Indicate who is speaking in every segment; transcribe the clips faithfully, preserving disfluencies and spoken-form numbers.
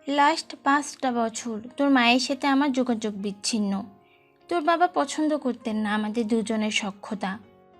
Speaker 1: Last পাঁচটা বছর তোর মায়ের সাথে আমার যোগাযোগ বিচ্ছিন্ন। তোর বাবা পছন্দ করতেন না আমাদের দুজনের সখ্যতা।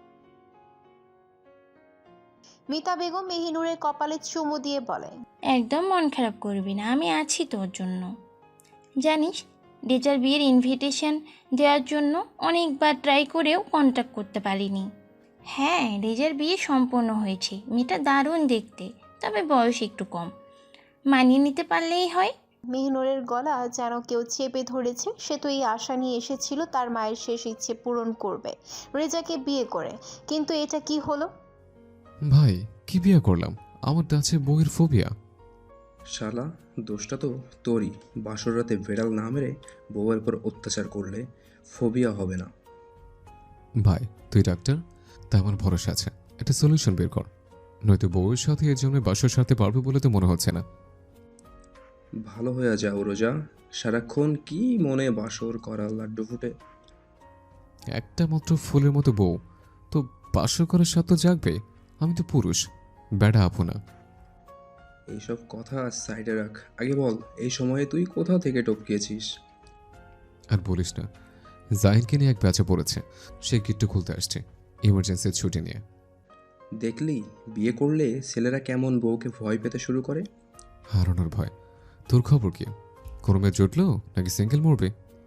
Speaker 2: মিতা বেগম মেহিনুরের কপালে চুমু দিয়ে বলে,
Speaker 1: একদম মন খারাপ করবি না, আমি আছি তোর জন্য। জানিস, রেজার বিয়ের ইনভিটেশন দেওয়ার জন্য অনেকবার ট্রাই করেও কন্ট্যাক্ট করতে পারিনি। হ্যাঁ, রেজার বিয়ে সম্পন্ন হয়েছে, মেয়েটা দারুণ দেখতে, তবে বয়স একটু কম। মানিয়ে নিতে পারলেই হয়।
Speaker 2: মেহিনুরের গলা যেন কেউ চেপে ধরেছে। সে তো এই আশা নিয়ে এসেছিল তার মায়ের শেষ ইচ্ছে পূরণ করবে রেজাকে বিয়ে করে, কিন্তু এটা কি হলো?
Speaker 3: ভাই, কি বিয়ে করলাম? আমার আছে বউয়ের ফোবিয়া।
Speaker 4: শালা, দোষটা তো তোরই। বাসর রাতে বেড়াল না মেরে বউয়ের উপর অত্যাচার করলে ফোবিয়া হবে না।
Speaker 3: ভাই, তুই ডাক্তার, তাই আমার ভরসা আছে। একটা সলিউশন বের কর, নয়তো বউয়ের সাথে এর জন্য বাসর সারতে পারবে বলে তো মনে হচ্ছে না।
Speaker 4: ভালো হয়ে যাও রোজা, সারাক্ষণ কি মনে বাসর করা লাড্ডু ফুটে।
Speaker 3: একটা মাত্র ফুলের মতো বউ, তো বাসর করার স্বাদ তো জাগবে। আমি তো পুরুষ, বেড়া আপু না।
Speaker 4: এইসব কথা সাইডে রাখ, আগে বল এই সময়ে তুই কোথা থেকে টপকিয়েছিস?
Speaker 3: আর বলিস না, জাহিনকে নিয়ে এক ব্যাচে পড়েছে, সে গিট্টু খুলতে আসছে ইমার্জেন্সির ছুটি নিয়ে।
Speaker 4: দেখলি, বিয়ে করলে ছেলেরা কেমন বউকে ভয় পেতে শুরু করে।
Speaker 3: হারানোর ভয়। তোর খবর কি? কোনো মেয়ে জুটলো নাকি সিঙ্গেল মরবে?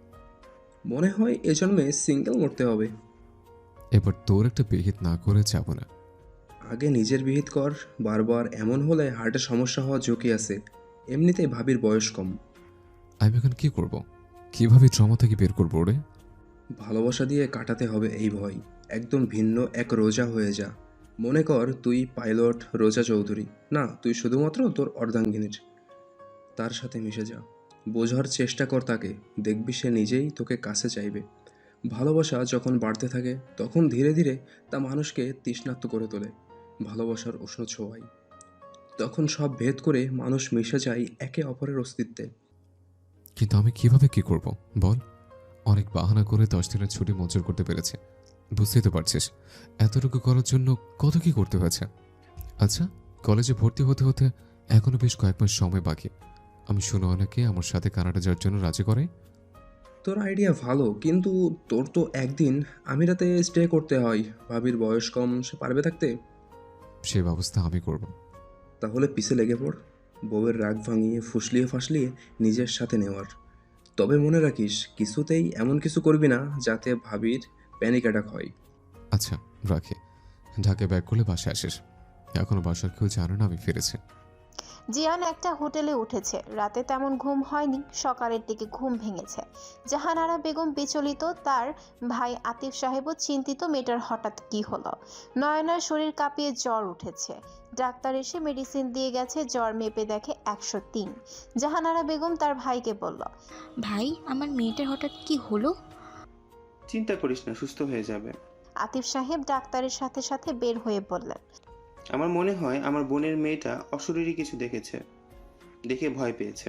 Speaker 4: মনে হয় এ জন্মে সিঙ্গেল মরতে হবে।
Speaker 3: এবার তোর একটা বিহিত না করে যাব না।
Speaker 4: আগে নিজের বিহিত কর। বারবার এমন হলে হার্টের সমস্যা হওয়ার ঝুঁকি আছে। এমনিতেই ভাবির বয়স কম।
Speaker 3: আমি এখন কি করব? কিভাবে ট্রমা থেকে বের করবো রে?
Speaker 4: ভালোবাসা দিয়ে কাটাতে হবে এই ভয়। একদম ভিন্ন এক রোজা হয়ে যা। মনে কর তুই পাইলট রোজা চৌধুরী না, তুই শুধুমাত্র তোর অর্ধাঙ্গিনীর। তার সাথে মিশে যা, বোঝার চেষ্টা কর তাকে। দেখবি সে নিজেই তোকে কাছে চাইবে। ভালোবাসা যখন বাড়তে থাকে তখন ধীরে ধীরে তা মানুষকে তৃষ্ণার্ত করে তোলে ভালোবাসার উষ্ণ ছোঁয়ায়। তখন সব ভেদ করে মানুষ মিশে যায় একে অপরের অস্তিত্বে।
Speaker 3: কিন্তু আমি কিভাবে কি করব বল? অনেক বাহানা করে দশ দিনের ছুটি মঞ্জুর করতে পেরেছে, বুঝতেই তো পারছিস। এতটুকু করার জন্য কত কি করতে হয়েছে। আচ্ছা, কলেজে ভর্তি হতে হতে এখনো বেশ কয়েক মাস সময় বাকি। আমি শুনে অনেকে আমার সাথে কানাডা যাওয়ার জন্য রাজি করে।
Speaker 4: তোর আইডিয়া ভালো, কিন্তু তোর তো একদিন আমিরাতে স্টে করতে হয়। ভাবির বয়স কম, সে পারবে থাকতে?
Speaker 3: সে ব্যবস্থা আমি করব।
Speaker 4: তাহলে পিছে লেগে পড়, বউয়ের রাগ ভাঙিয়ে ফুসলিয়ে ফাসলিয়ে নিজের সাথে নেওয়ার। তবে মনে রাখিস, কিছুতেই এমন কিছু করবি না যাতে ভাবির প্যানিক অ্যাটাক হয়।
Speaker 3: আচ্ছা, রাখি। ঢাকে ব্যাক করলে বাসায় আসিস। এখনো বাসার কেউ জানে না আমি ফিরেছি।
Speaker 2: জিয়ান একটা হোটেলে উঠেছে। রাতে তেমন ঘুম হয়নি, সকালের দিকে ঘুম ভেঙেছে। জাহানারা বেগম বিচলিত, তার ভাই আতিফ সাহেবও চিন্তিত মেয়েটার হঠাৎ কি হলো। নয়নার শরীর কাঁপিয়ে জ্বর উঠেছে। ডাক্তার এসে মেডিসিন দিয়ে গেছে, জ্বর মেপে দেখে একশো তিন। জাহানারা বেগম তার ভাইকে বলল,
Speaker 5: ভাই, আমার মেয়েটার হঠাৎ কি হলো?
Speaker 6: চিন্তা করিস না, সুস্থ হয়ে যাবে।
Speaker 2: আতিফ সাহেব ডাক্তারের সাথে সাথে বের হয়ে বললেন,
Speaker 6: আমার মনে হয় আমার বোনের মেয়েটা অশরীরী কিছু দেখেছে, দেখে ভয় পেয়েছে।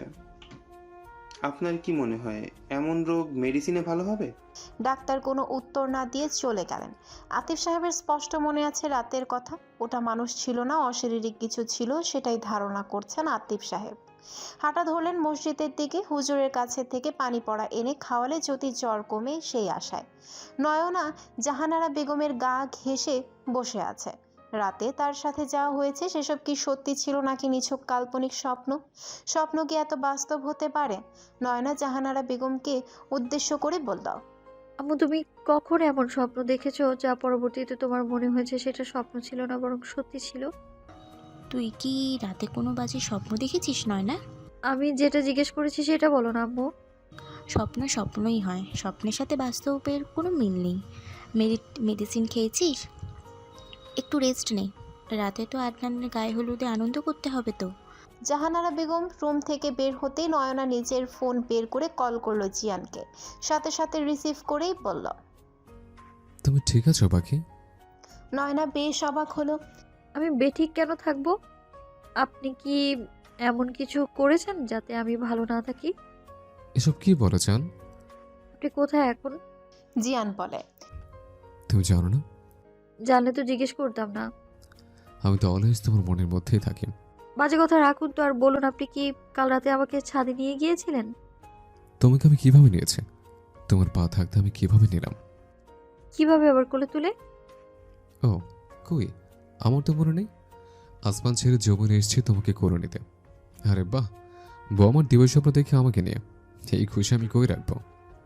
Speaker 6: আপনার কি মনে হয় এমন রোগ মেডিসিনে ভালো হবে?
Speaker 2: ডাক্তার কোনো উত্তর না দিয়ে চলে গেলেন। আতিফ সাহেবের স্পষ্ট মনে আছে রাতের কথা। ওটা মানুষ ছিল না, অশারীরিক কিছু ছিল, সেটাই ধারণা করছেন আতিফ সাহেব। হাঁটা ধরলেন মসজিদের দিকে। হুজুরের কাছে থেকে পানি পড়া এনে খাওয়ালে যদি জ্বর কমে সেই আশায়। নয়না জাহানারা বেগমের গা ঘেঁষে বসে আছে। রাতে তার সাথে যা হয়েছে সেসব কি সত্যি ছিল নাকি নিছক কাল্পনিক স্বপ্ন? স্বপ্ন কি এত বাস্তব হতে পারে? নয়না জাহানারা বেগমকে উদ্দেশ্য করে বলল,
Speaker 7: আম্মু, তুমি কখন এমন স্বপ্ন দেখেছো যা পরবর্তীতে তোমার মনে হয়েছে সেটা স্বপ্ন ছিল না বরং সত্যি ছিল?
Speaker 5: তুই কি রাতে কোনো বাজে স্বপ্ন দেখেছিস? নয় না,
Speaker 7: আমি যেটা জিজ্ঞেস করেছি সেটা বলো না আম্মু।
Speaker 5: স্বপ্ন স্বপ্নই হয়, স্বপ্নের সাথে বাস্তবের কোনো মিল নেই। মেডিসিন খেয়েছিস? একটু রেস্ট নে। রাতে তো আদনানের গায়ে হলুদে আনন্দ করতে হবে তো।
Speaker 2: জাহানারা বেগম রুম থেকে বের হতেই নয়না নিজের ফোন বের করে কল করলো জিয়ানকে। সাথে সাথে রিসিভ করেই বলল,
Speaker 3: তুমি ঠিক আছো বাকি?
Speaker 2: নয়না বেশ অবাক হলো।
Speaker 7: আমি বেঠিক কেন থাকবো? আপনি কি এমন কিছু করেছেন যাতে আমি ভালো না থাকি?
Speaker 3: এসব কি বলো চান?
Speaker 7: আপনি কোথায় এখন?
Speaker 2: জিয়ান বলে,
Speaker 3: তুমি জানো না?
Speaker 7: জানলে তো জিজ্ঞেস করতাম না।
Speaker 3: আমি তো অলওয়েজ তোমার মনের মধ্যেই থাকি।
Speaker 7: বাজে কথা রাখুন তো, আর বলুন আপনি কি কাল রাতে আমাকে ছাদে নিয়ে গিয়েছিলেন?
Speaker 3: তোমাকে আমি কিভাবে নিয়েছি? তোমার পা থাকতে আমি কিভাবে নিলাম?
Speaker 7: কিভাবে আবার কোলে তুলে?
Speaker 3: ও কই, আমার তো মনে নেই। আসমান ছেড়ে যৌবনে এসেছি তোমাকে করে নিতে। আরে বাহ, বউ আমার দিবস স্বপ্ন দেখে আমাকে নিয়ে, এই খুশি আমি কই রাখবো?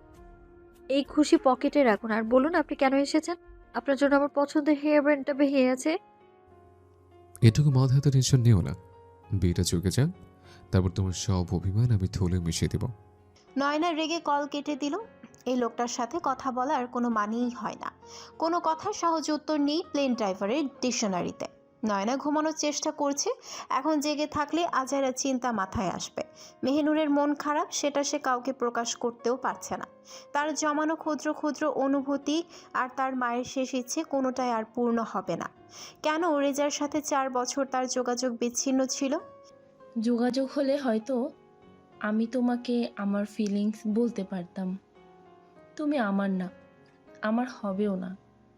Speaker 7: এই খুশি পকেটে রাখুন, আর বলুন আপনি কেন এসেছেন। আপনার জন্য আমার পছন্দের হেয়ার ব্যান্ডটা বেরিয়ে আছে।
Speaker 3: এটুকু মাথা এত টেনশন নিও না, বিয়েটা চুকে যাক, তারপর তোমার সব অভিমান আমি থলে মিশিয়ে দেব।
Speaker 2: নয়না রেগে কল কেটে দিল। এই লোকটার সাথে কথা বলার কোনো মানেই হয় না। কোনো কথার সহজ উত্তর নেই প্লেন ড্রাইভারের ডিকশনারিতে। নয়না ঘুমানোর চেষ্টা করছে। এখন জেগে থাকলে আজাইরা চিন্তা মাথায় আসবে। মেহিনুরের মন খারাপ, সেটা সে কাউকে প্রকাশ করতেও পারছে না। তার জমানো ক্ষুদ্র ক্ষুদ্র অনুভূতি আর তার মায়ের শেষ ইচ্ছে কোনোটাই আর পূর্ণ হবে না। কেন রেজার সাথে চার বছর তার যোগাযোগ বিচ্ছিন্ন ছিল?
Speaker 8: যোগাযোগ হলে হয়তো আমি তোমাকে আমার ফিলিংস বলতে পারতাম। তুমি আমার না, আমার হবেও না।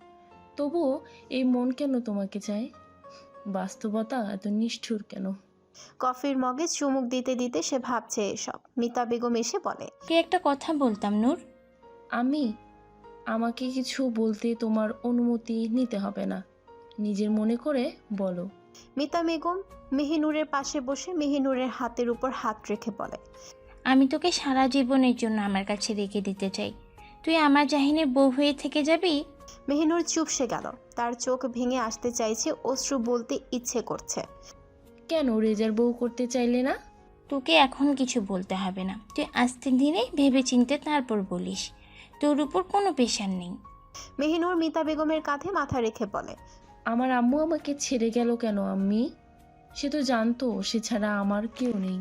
Speaker 8: তবুও এই মন কেন তোমাকে চায়? বাস্তবতা এত নিষ্ঠুর কেন?
Speaker 2: কফির মগে চুমুক দিতে দিতে সে ভাবছে এসব। মিতা বেগম এসে বলে,
Speaker 1: কে একটা কথা বলতাম নূর।
Speaker 8: আমি আমাকে কিছু বলতে তোমার অনুমতি নিতে হবে না, নিজের মনে করে বলো।
Speaker 2: মিতা বেগম মেহিনুরের পাশে বসে মেহিনুরের হাতের উপর হাত রেখে বলে,
Speaker 1: আমি তোকে সারা জীবনের জন্য আমার কাছে রেখে দিতে চাই। তুই আমার জাহিনের বউ হয়ে থেকে যাবি।
Speaker 2: মেহিনুর চুপসে গেল। তার চোখ ভেঙে আসতে চাইছে, অশ্রু বলতে ইচ্ছে করছে।
Speaker 8: কেন রেজার বউ করতে চাইলে না?
Speaker 1: তোকে এখন কিছু বলতে হবে না, তুই আস্তে ধীরে ভেবে চিনতে তারপর বলিস। তোর উপর কোনো প্রেশার নেই।
Speaker 2: মেহিনুর মিতা বেগমের কাঁধে মাথা রেখে বলে,
Speaker 8: আমার আম্মু আমাকে ছেড়ে গেল কেন আম্মি? সে তো জানতো সে ছাড়া আমার কেউ নেই।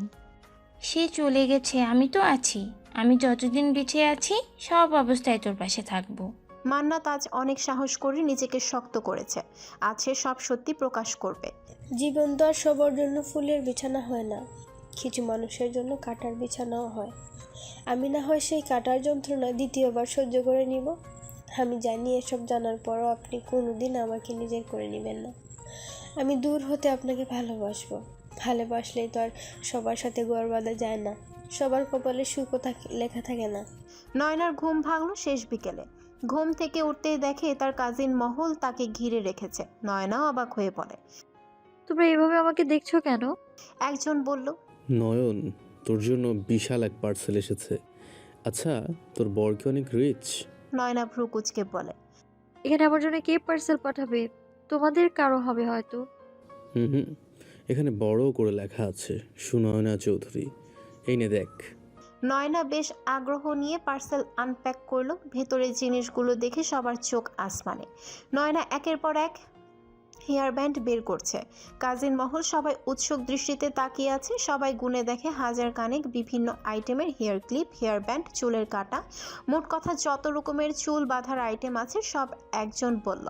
Speaker 1: সে চলে গেছে, আমি তো আছি। আমি যতদিন বেঁচে আছি সব অবস্থায় তোর পাশে থাকবো।
Speaker 2: মান্নাত আজ অনেক সাহস করে নিজেকে শক্ত করেছে। আজ সে সব সত্যি প্রকাশ করবে।
Speaker 9: জীবন তো আর সবার জন্য ফুলের বিছানা হয় না, কিছু মানুষের জন্য কাটার বিছানাও হয়। আমি না হয় সেই কাটার যন্ত্রণা দ্বিতীয়বার সহ্য করে নিব। আমি জানি এসব জানার পরও আপনি কোনোদিন আমাকে নিজের করে নেবেন না। আমি দূর হতে আপনাকে ভালোবাসবো। ভালোবাসলেই তো আর সবার সাথে গড় বাঁধা যায় না, সবার কপালে সুখও থাকে লেখা থাকে না।
Speaker 2: নয়নার ঘুম ভাঙলো শেষ বিকেলে। ঘুম থেকে উঠতেই দেখে তার কাজিন মহল তাকে ঘিরে রেখেছে। নয়নাও অবাক হয়ে পড়ে।
Speaker 7: তোমরা এইভাবে আমাকে দেখছো কেন?
Speaker 2: একজন বলল,
Speaker 10: নয়ন, তোর জন্য বিশাল এক পার্সেল এসেছে। আচ্ছা, তোর বর কি অনেক রিচ?
Speaker 2: নয়না ভ্রু কুচকে বলে,
Speaker 7: এখানে আমার জন্য কে পার্সেল পাঠাবে? তোমাদের কারো হবে হয়তো।
Speaker 10: হুম হুম এখানে বড় করে লেখা আছে সুনয়না চৌধুরী। এই নে দেখ।
Speaker 2: নয়না বেশ আগ্রহ নিয়ে পার্সেল আনপ্যাক করলো। ভেতরে জিনিসগুলো দেখে সবার চোখ আসমানে। নয়না একের পর এক হেয়ার ব্যান্ড বের করছে। কাজিন মহল সবাই উৎসুক দৃষ্টিতে তাকিয়ে আছে। সবাই গুনে দেখে হাজার কানেক বিভিন্ন আইটেমের হেয়ার ক্লিপ, হেয়ার ব্যান্ড, চুলের কাটা, মোট কথা যত রকমের চুল বাঁধার আইটেম আছে সব। একজন বলল,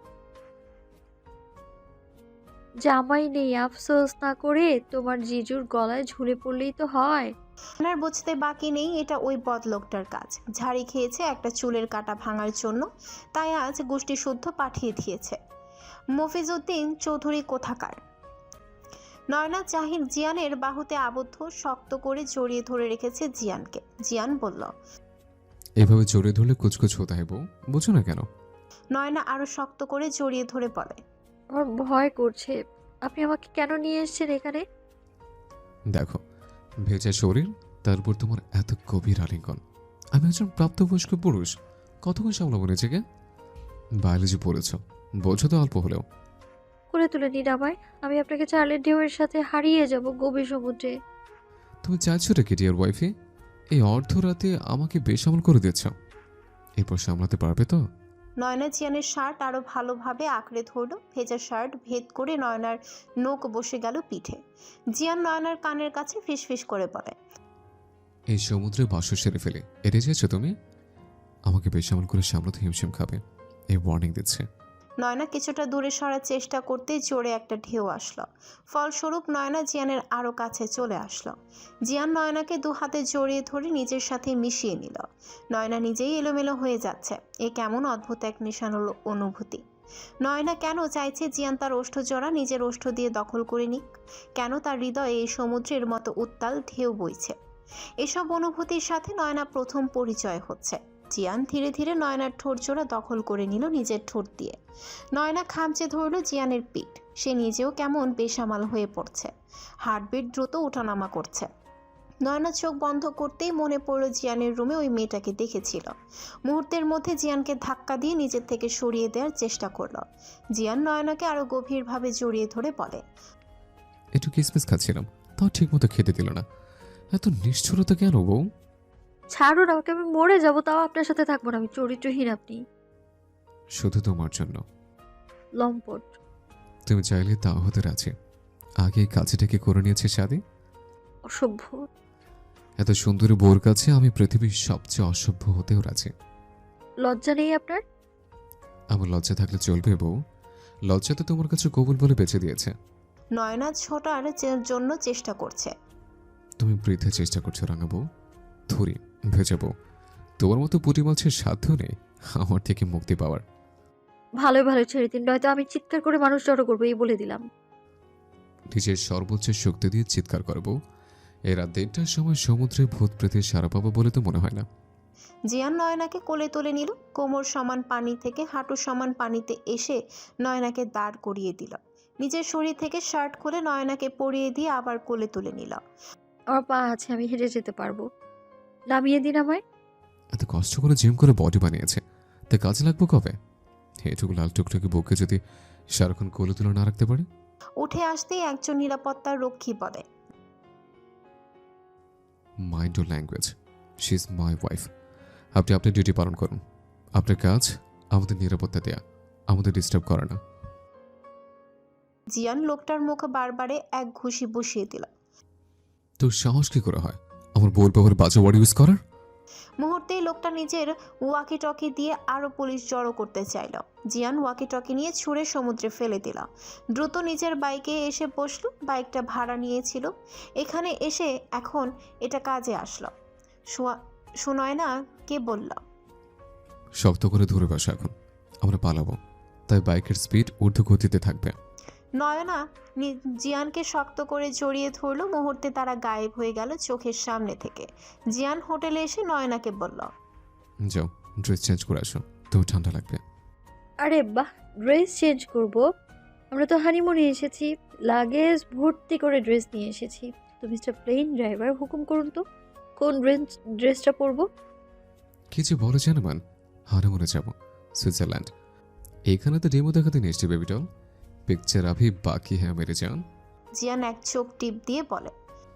Speaker 7: জামাই নেই, আফসোস না করে তোমার জিজুর গলায় ঝুলে পড়লেই তো হয়।
Speaker 2: আপনার বুঝতে বাকি নেই এটা ওই বদলোকটার কাজ। ঝাড়ি খেয়েছে একটা চুলের কাটা ভাঙার জন্য, তাই আজ গোষ্ঠী শুদ্ধ পাঠিয়ে দিয়েছে। মফিজউদ্দিন চৌধুরী কোথাকার। নয়না জাহির জিয়ানের বাহুতে আবদ্ধ, শক্ত করে জড়িয়ে ধরে রেখেছে জিয়ানকে। জিয়ান বলল,
Speaker 3: এভাবে জড়িয়ে ধরলে কুচকুচ হতে হয় বউ, বুঝো না কেন?
Speaker 2: নয়না আরো শক্ত করে জড়িয়ে ধরে বলে,
Speaker 7: আমার ভয় করছে। আপনি আমাকে কেন নিয়ে এসেছেন এখানে?
Speaker 3: দেখো, ভেজা শরীর, তারপর তোমার এত গভীর আলিঙ্গন। আমি একজন প্রাপ্তবয়স্ক পুরুষ, কতক্ষণ সামলাবো নিজেকে? বায়োলজি পড়েছ, বোঝো তো অল্প হলেও।
Speaker 7: করে তুলে নিন আমায়, আমি আপনাকে চার্লের ঢেউয়ের সাথে হারিয়ে যাব গভীর সমুদ্রে।
Speaker 3: তুমি চাইছো রে ডিয়ার ওয়াইফে? এই অর্ধরাতে আমাকে বেসামাল করে দিচ্ছ, এরপর সামলাতে পারবে তো?
Speaker 2: নয়না জিয়ানের শার্ট আরো ভালোভাবে আঁকড়ে ধরল। ভেজা শার্ট ভেদ করে নয়নার নোক বসে গেল পিঠে। জিয়ান নয়নার কানের কাছে ফিসফিস করে বলে,
Speaker 3: এই সমুদ্রে বাসু সেরে ফেলে এড়ে যাচ্ছ তুমি, আমাকে বেসামাল করে সামলাতে হিমশিম খাবে, এই ওয়ার্নিং দিচ্ছে।
Speaker 2: নয়না কিছুটা দূরে সরার চেষ্টা করতে জোরে একটা ঢেউ আসলো। ফলস্বরূপ নয়না জিয়ানের আরো কাছে চলে আসলো। জিয়ান নয়নাকে দু হাতে জড়িয়ে ধরে নিজের সাথে মিশিয়ে নিল। নয়না নিজেই এলোমেলো হয়ে যাচ্ছে। এ কেমন অদ্ভুত এক নেশানো অনুভূতি। নয়না কেন চাইছে জিয়ান তার ওষ্ঠজোড়া নিজের ওষ্ঠ দিয়ে দখল করে নিক? কেন তার হৃদয়ে এই সমুদ্রের মতো উত্তাল ঢেউ বইছে? এসব অনুভূতির সাথে নয়না প্রথম পরিচয় হচ্ছে। জিয়ান ধীরে ধীরে নয়নার ঠোঁট জোড়া দখল করে নিল নিজের ঠোঁট দিয়ে। নয়না খামচে ধরল জিয়ানের পিঠ। সে নিজেও কেমন বেসামাল হয়ে পড়ছে। হার্টবিট দ্রুত ওঠানামা করছে। নয়না চোখ বন্ধ করতেই মনে পড়ল জিয়ানের রুমে ওই মেয়েটাকে দেখেছিল। মুহূর্তের মধ্যে জিয়ানকে ধাক্কা দিয়ে নিজের থেকে সরিয়ে দেওয়ার চেষ্টা করলো। জিয়ান নয়নাকে আরো গভীরভাবে জড়িয়ে ধরে বলে,
Speaker 3: একটু কিসমিস খাচ্ছিলাম, তাও ঠিক মতো খেতে দিল না। এত নিষ্ঠুরতা কেন বউ?
Speaker 7: ছাড়ুন আমাকে, আমি মরে যাবো তাও আপনার সাথে থাকবো না। আমি চরিত্রহীন আপনি।
Speaker 3: শুধু তোমার জন্য।
Speaker 7: লম্পট।
Speaker 3: তুমি চাইলে তাও হতে রাজি। আগে এই কাজটাকে করে নিয়েছে শাদি।
Speaker 7: অসভ্য।
Speaker 3: এত সুন্দরী বউর কাছে আমি পৃথিবীর সবচেয়ে অসভ্য হতেও রাজি।
Speaker 7: লজ্জা নেই আপনার?
Speaker 3: আমার লজ্জা থাকলে চলবে বউ? লজ্জা তো তোমার কাছে কবুল বলে বেঁচে দিয়েছে।
Speaker 2: নয়না ছোটার চে- জন্য চেষ্টা করছে।
Speaker 3: তুমি বৃদ্ধা চেষ্টা করছো রাঙা বউ। ধরি ভেজা বউ, তোমার মতো পুঁটি মাছের সাধ্য নেই আমার থেকে মুক্তি পাওয়ার।
Speaker 7: ভালোই ভালো ছেড়ে দিন, নয়তো আমি চিৎকার করে মানুষ জড়ো করবো, এই বলে দিলাম।
Speaker 3: নিজের সর্বোচ্চ শক্তি দিয়ে চিৎকার করবো। এই রাত দেড়টার সময় সমুদ্রে ভূত প্রেতের সারা পাবো বলে তো মনে হয় না।
Speaker 2: জিয়ান নয়নাকে কোলে তুলে নিল। কোমর সমান পানি থেকে হাঁটু সমান পানিতে এসে নয়নাকে দাঁড় করিয়ে দিল। নিজের শরীর থেকে শার্ট খুলে নয়নাকে পরিয়ে দিয়ে আবার কোলে তুলে নিল।
Speaker 7: আমার পা আছে, আমি হেঁটে যেতে পারবো। নামিয়ে দিন আমায়।
Speaker 3: এত কষ্ট করে জিম করে বডি বানিয়েছে, তা কাজে লাগবো কবে? এটুকু লাল টুকটুকি বুকে যদি সারাক্ষণ কোলে তুলে না রাখতে পারে।
Speaker 2: উঠে আসতেই একজন নিরাপত্তার রক্ষী বলে,
Speaker 3: mind your language, she is my wife. আপনি আপনার ডিউটি পালন করুন। আপনার কাজ আমাদের নিরাপত্তা দেয়া, আমাদের ডিস্টার্ব করে না।
Speaker 2: জিয়ান লোকটার মুখ বারবারে এক ঘুষি বসিয়ে দিল।
Speaker 3: তোর সাহস কি করে হয় আমার বউর ব্যবহার বাজে ওয়ার্ড ইউজ করার?
Speaker 2: মুহূর্তেই লোকটা নিজের ওয়াকি টকি দিয়ে আরো পুলিশ জড়ো করতে চাইল। জিয়ান ওয়াকি টকি নিয়ে ছুঁড়ে সমুদ্রে ফেলে দিল। দ্রুত নিজের বাইকে এসে বসলো। বাইকটা ভাড়া নিয়েছিল। এখানে এসে এখন এটা কাজে আসলো। শোনয় না কে বলল,
Speaker 3: শক্ত করে ধরে বসা, এখন আমরা পালাবো, তাই বাইকের স্পিড ঊর্ধ্ব গতিতে থাকবে।
Speaker 2: নয়না নি- জিয়ানকে শক্ত করে জড়িয়ে ধরলো। মুহূর্তে তারা গায়েব হয়ে গেল চোখের সামনে থেকে। জিয়ান হোটেলে এসে নয়নাকে বলল,
Speaker 3: যাও ড্রেস চেঞ্জ করে আসো, তো ঠান্ডা লাগবে।
Speaker 7: আরে বাহ, ড্রেস চেঞ্জ করব? আমরা তো হানিমুনে এসেছি, লাগেজ ভর্তি করে ড্রেস নিয়ে এসেছি। তো মিস্টার প্লেন ড্রাইভার, হুকুম করুন তো কোন ড্রেস ড্রেসটা পরবো?
Speaker 3: কি যে বলে জানমান, হারে মরে যাবো সুইজারল্যান্ড। এখানে তো ডেমো দেখাতে নিয়ে এসছি বেবি ডল, পিকচার আভি বাকি হ্যাঁ মেরে যান।
Speaker 2: জিয়ান এক চোখ টিপ দিয়ে বলে,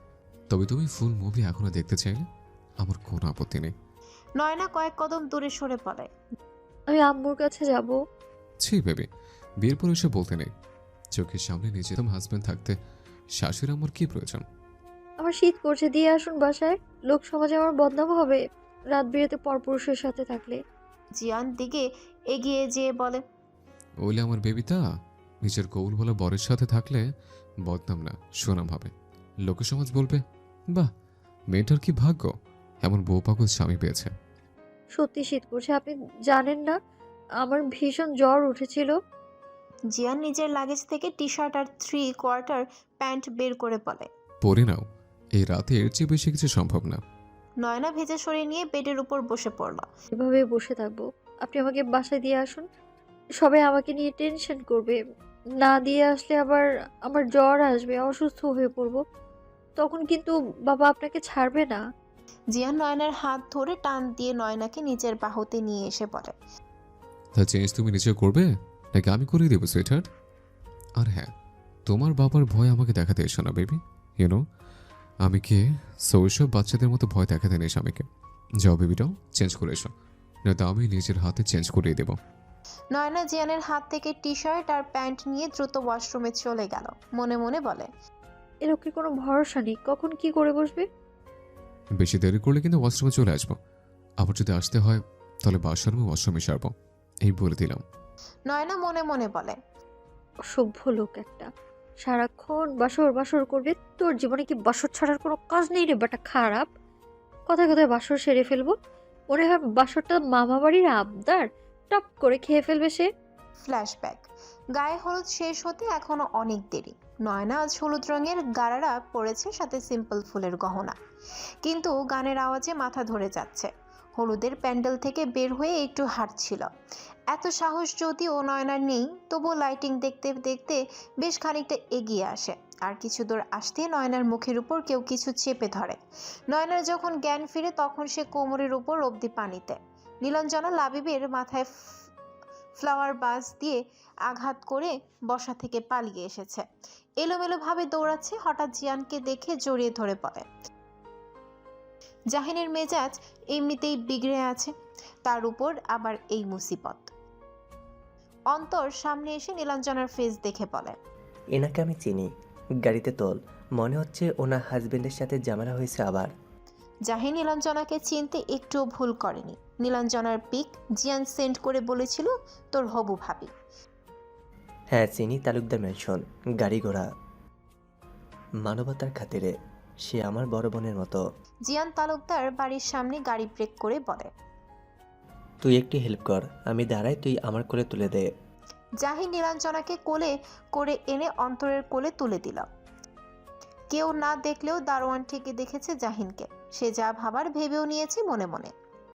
Speaker 3: তবে তুমি ফুল মুভি এখনো দেখতে চাইলে আমার কোনো আপত্তি নেই।
Speaker 2: নয়না কয়েক কদম দূরে সরে পড়ে।
Speaker 7: আমি আম্মুর কাছে যাব।
Speaker 3: ছি বেবি, বিয়ের পর এসে বলতে নেই। চোখের সামনে নিজে তোমার হাজব্যান্ড থাকতে শাশুড়ি আমার কি প্রয়োজন?
Speaker 7: আমার শীত করছে, দিয়ে আসুন বাসায়। লোক সমাজে আমার বদনাম হবে রাত বিরেতে পরপুরুষের সাথে থাকলে।
Speaker 2: জিয়ান দিকে এগিয়ে যেয়ে বলে,
Speaker 3: ওইলে আমার বেবিটা নিজের কৌল বলা বরের সাথে থাকলে বদনাম না সুনাম হবে। লোকে সমাজ বলবে, বাহ মেয়েটার কি ভাগ্য, এমন বউ পাগল স্বামী পেয়েছে।
Speaker 7: সত্যি শীত করছে, আপনি জানেন না আমার ভীষণ জ্বর উঠেছিল।
Speaker 2: জিয়ান নিজের লাগেজ থেকে টি শার্ট আর থ্রি কোয়ার্টার প্যান্ট বের করে বলে,
Speaker 3: পরে নাও, এই রাতে এর চেয়ে বেশি কিছু সম্ভব না।
Speaker 2: নয়না ভেজা সরিয়ে নিয়ে বেডের উপর বসে পড়ল।
Speaker 7: এভাবে বসে থাকবো? আপনি আমাকে বাসায় দিয়ে আসুন। সবাই আমাকে নিয়ে টেনশন করবে। না দিয়ে আসলে আবার আমার জ্বর আসবে, অসুস্থ হয়ে পড়বো। তখন কিন্তু বাবা আপনাকে ছাড়বে না।
Speaker 2: জিয়ান নয়নার হাত ধরে টান দিয়ে নয়নাকে নিজের বাহুতে নিয়ে এসে বলে,
Speaker 3: তা চেঞ্জ তুমি নিজে করবে নাকি আমি করিয়ে দেবো সুইটহার্ট? আর হ্যাঁ, তোমার বাবার ভয় আমাকে দেখাতে এসো না বেবি, ইউনো আমি কে, সো ওইসব বাচ্চাদের মতো ভয় দেখাতে নেই স্বামীকে। যাও বেবিটাও চেঞ্জ করে এসো, নয়তো আমি নিজের হাতে চেঞ্জ করিয়ে দেবো।
Speaker 2: নয়না জিয়ানের হাত থেকে টি শার্ট আর প্যান্ট নিয়ে দ্রুত ওয়াশরুমে চলে গেল। মনে মনে বলে,
Speaker 7: এর ওকে কোনো ভরসা নেই, কখন কি করে বসবে।
Speaker 3: বেশি দেরি করলে কিন্তু ওয়াশরুমে চলে আসবো। আবার যদি আসতে হয় তাহলে বাথরুমে ওয়াশরুমে সারবো, এই বলে দিলাম।
Speaker 2: নয়না মনে মনে বলে,
Speaker 7: অসভ্য লোক একটা, সারাক্ষণ বাসর বাসর করবে। তোর জীবনে কি বাসর ছাড়ার কোনো কাজ নেই রে বেটা, খারাপ। কথায় কথায় বাসর সেরে ফেলবো, মনে হয় বাসরটা মামা বাড়ির আবদার, টপ করে খেয়ে ফেলবে সে।
Speaker 2: ফ্ল্যাশব্যাক। গায়ে হলুদ শেষ হতে এখনো অনেক দেরি। নয়না আজ হলুদ রঙের গারারা পরেছে, সাথে সিম্পল ফুলের গহনা, কিন্তু গানের আওয়াজে মাথা ধরে যাচ্ছে। হলুদের প্যান্ডেল থেকে বের হয়ে একটু হাঁটছিল। এত সাহস যদিও নয়নার নেই, তবুও লাইটিং দেখতে দেখতে বেশ খানিকটা এগিয়ে আসে। আর কিছু দূর আসতে নয়নার মুখের উপর কেউ কিছু চেপে ধরে। নয়নার যখন জ্ঞান ফিরে তখন সে কোমরের উপর অবধি পানিতে। নীলাঞ্জনা লাবিবের মাথায় ফ্লাওয়ার বাস দিয়ে আঘাত করে বসা থেকে পালিয়ে এসেছে। এলোমেলোভাবে দৌড়াচ্ছে। হঠাৎ জিয়ানকে দেখে জড়িয়ে ধরে পড়ে। জাহিনের মেজাজ এমনিতেই বিগড়ে আছে, তার উপর আবার এই মুসিবত। অন্তর সামনে এসে নীলাঞ্জনার ফেস দেখে বলে,
Speaker 11: এনাকে আমি চিনি, গাড়িতে তোল, মনে হচ্ছে ওনার হাজবেন্ডের সাথে ঝামেলা হয়েছে আবার।
Speaker 2: জাহিন নীলাঞ্জনাকে চিনতে একটুও ভুল করেনি। নীলাঞ্জনার পিক জিয়ান সেন্ড করে বলেছিল তোর হবু ভাবি।
Speaker 11: হ্যাঁ চিনি, তালুকদার ম্যানশন, গাড়ি ঘোড়া, মানবতার খাতিরে সে আমার বড় বোনের মতো।
Speaker 2: জিয়ান তালুকদার বাড়ির সামনে গাড়ি ব্রেক করে বলে,
Speaker 11: তুই একটু হেল্প কর, আমি দাঁড়াই, তুই আমার কোলে তুলে দে।
Speaker 2: জাহিন নীলাঞ্জনাকে কোলে করে এনে অন্তরের কোলে তুলে দিল। কেউ না দেখলেও দারোয়ান ঠিকই দেখেছে জাহিনকে। সে যা ভাবার ভেবেও নিয়েছে মনে মনে।